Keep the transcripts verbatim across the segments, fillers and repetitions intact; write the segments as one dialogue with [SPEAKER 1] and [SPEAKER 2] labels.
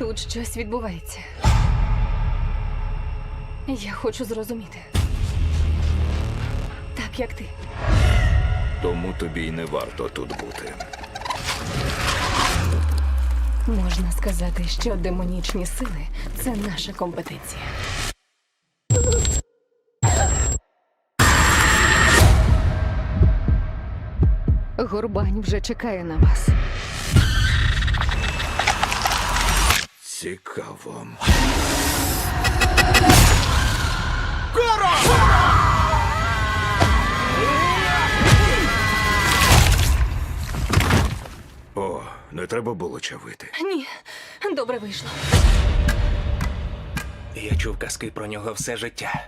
[SPEAKER 1] Тут щось відбувається. Я хочу зрозуміти. Так, як ти.
[SPEAKER 2] Тому тобі й не варто тут бути.
[SPEAKER 1] Можна сказати, що демонічні сили – це наша компетенція. Горбань вже чекає на вас.
[SPEAKER 2] Цікаво. О, не треба було чавити.
[SPEAKER 1] Ні, добре вийшло.
[SPEAKER 3] Я чув казки про нього все життя.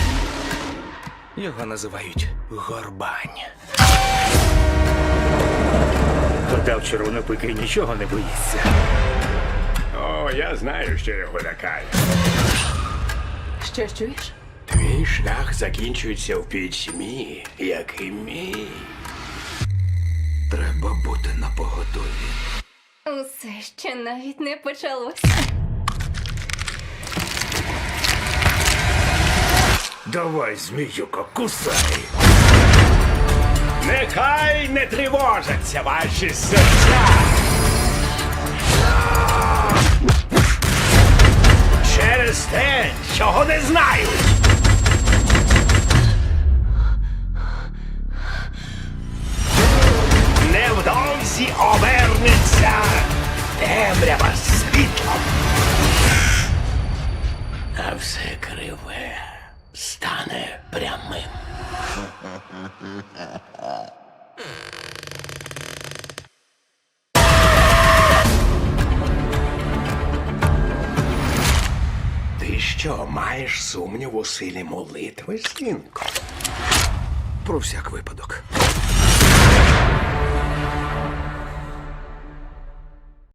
[SPEAKER 3] Його називають Горбань.
[SPEAKER 4] Кота в червонопики нічого не боїться.
[SPEAKER 5] О, я знаю, що його лякає.
[SPEAKER 1] Що чуєш?
[SPEAKER 5] Твій шлях закінчується в пітьмі, як і мій.
[SPEAKER 2] Треба бути напоготові.
[SPEAKER 1] Усе ще навіть не почалося.
[SPEAKER 2] Давай, зміюко, кусай!
[SPEAKER 5] Нехай не тривожаться ваші серця. Через те, чого не знають. Невдовзі обернеться темрява світлом. А все криве стане прямим. Ти що, маєш сумнів у силі молитви, синку?
[SPEAKER 2] Про всяк випадок.